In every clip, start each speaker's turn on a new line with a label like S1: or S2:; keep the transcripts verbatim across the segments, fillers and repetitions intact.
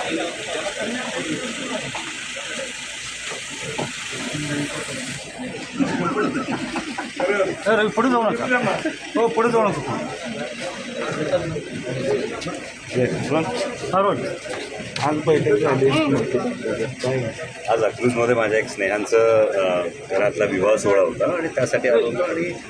S1: Sir पुढे जाऊ नका. हो पुढे जाऊ नका. हा रोज
S2: आज बैठक झाली.
S3: आज अकलूजमध्ये माझ्या एक स्नेहांचं घरातला विवाह सोहळा होता आणि त्यासाठी आलो होतो.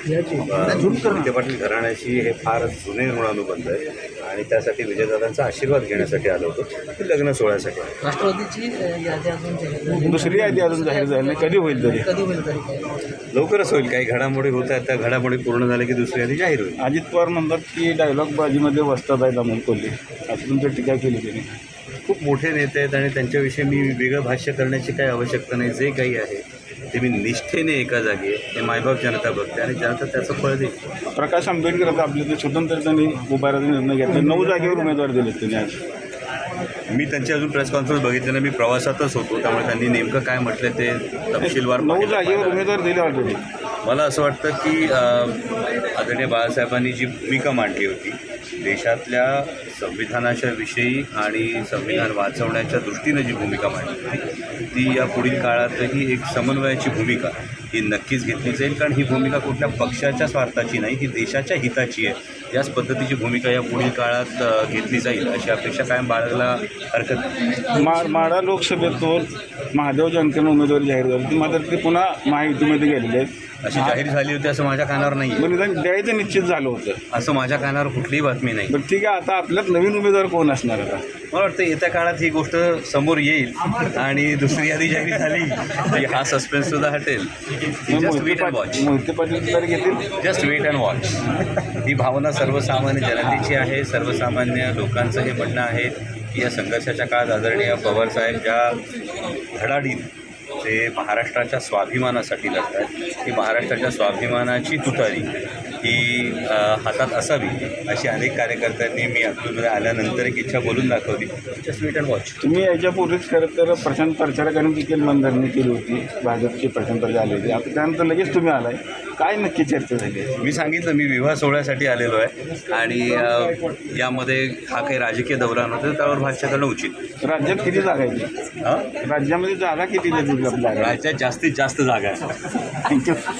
S3: आणि विखे पाटील घराण्याशी हे फार जुने ऋणानुबंध आहे आणि त्यासाठी विजयदादांचा आशीर्वाद घेण्यासाठी आलो होतो. लग्न सोहळ्यासाठी
S4: राष्ट्रवादीची यादी अजून जाहीर झाली.
S2: दुसरी यादी अजून जाहीर झाली नाही. कधी होईल तरी
S4: कधी होईल तरी काय?
S3: लवकरच होईल. काही घडामोडी होत आहेत, त्या घडामोडी पूर्ण झाल्या की दुसरी यादी जाहीर होईल.
S2: अजित पवार म्हणतात की डायलॉग बाजीमध्ये वस्तात आहेत अमोल कोल्हे, असं तुमची टीका केली त्यांनी.
S3: खूप मोठे नेते आहेत आणि त्यांच्याविषयी मी वेगळं भाष्य करण्याची काही आवश्यकता नाही. जे काही आहे ते मी निष्ठेने एका जागी आहे. ते मायबाप जनता बघते आणि जनता त्याचं फळ देईल.
S2: प्रकाश आंबेडकर आपले ते स्वतंत्र त्यांनी उभाराचा निर्णय घेतला. नऊ जागेवर उमेदवार दिले त्यांनी आज.
S3: मी त्यांची अजून प्रेस कॉन्फरन्स बघितली नाही. मी प्रवासातच होतो, त्यामुळे त्यांनी नेमकं काय म्हटलं ते तपशीलवार
S2: नऊ जागेवर उमेदवार दिले ऑलरेडी.
S3: मला असं वाटतं की आदरणीय बाळासाहेबांनी जी भूमिका मांडली होती देशातल्या संविधानाच्या विषयी आणि संविधान वाचवण्याच्या दृष्टीनं जी भूमिका मांडली होती ती या पुढील काळातही एक समन्वयाची भूमिका ही नक्कीच घेतली जाईल. कारण ही भूमिका कुठल्या पक्षाच्या स्वार्थाची नाही, ही देशाच्या हिताची आहे. याच पद्धतीची भूमिका या पुढील काळात घेतली जाईल अशी अपेक्षा कायम बाळगला हरकत नाही.
S2: मा माढा लोकसभेतून महादेव जानकरनं उमेदवारी जाहीर झाली. ती मात्र ते पुन्हा महायुतीमध्ये गेलेले आहेत.
S3: अशी जाहीर झाली होती असं माझ्या कानावर नाही आहे.
S2: पण निदान द्यायचं निश्चित झालं होतं
S3: असं माझ्या कानावर कुठलीही बातमी नाही.
S2: पण ठीक आहे. आता आपल्यात नवीन उमेदवार कोण असणार आता?
S3: मला वाटतं येत्या काळात ही गोष्ट समोर येईल आणि दुसरी यादी जाहीर झाली की हा सस्पेन्ससुद्धा हटेल. Just wait and watch.
S2: Mohite Patil तर घेतील.
S3: Just wait and watch. ही भावना सर्वसामान्य जनतेची आहे. सर्वसामान्य लोकांचं हे म्हणणं आहे की या संघर्षाच्या काळात आदरणीय पवारसाहेब ज्या धडाडीत ते महाराष्ट्राच्या स्वाभिमानासाठी लढतात, ही महाराष्ट्राच्या स्वाभिमानाची तुतारी ही हातात असावी अशी अनेक कार्यकर्त्यांनी मी अकलूजमध्ये आल्यानंतर एक इच्छा बोलून दाखवली. Just wait and watch.
S2: तुम्ही याच्यापूर्वीच खरं तर प्रशांत प्रचारकांनी देखील मनधरणी केली होती. भाजपचे प्रशांत प्रचार आले होते. आता त्यानंतर लगेच तुम्ही आलाय. काय नक्की चर्चा झाली?
S3: मी सांगितलं मी विवाह सोहळ्यासाठी आलेलो आहे आणि यामध्ये हा काही राजकीय दौरा नव्हता, त्यावर भाष्य करणं उचित.
S2: राज्यात किती जागा आहे?
S3: हां
S2: राज्यामध्ये जागा किती देतील आपल्याला?
S3: राज्यात जास्तीत जास्त जागा आहे.
S2: थँक्यू.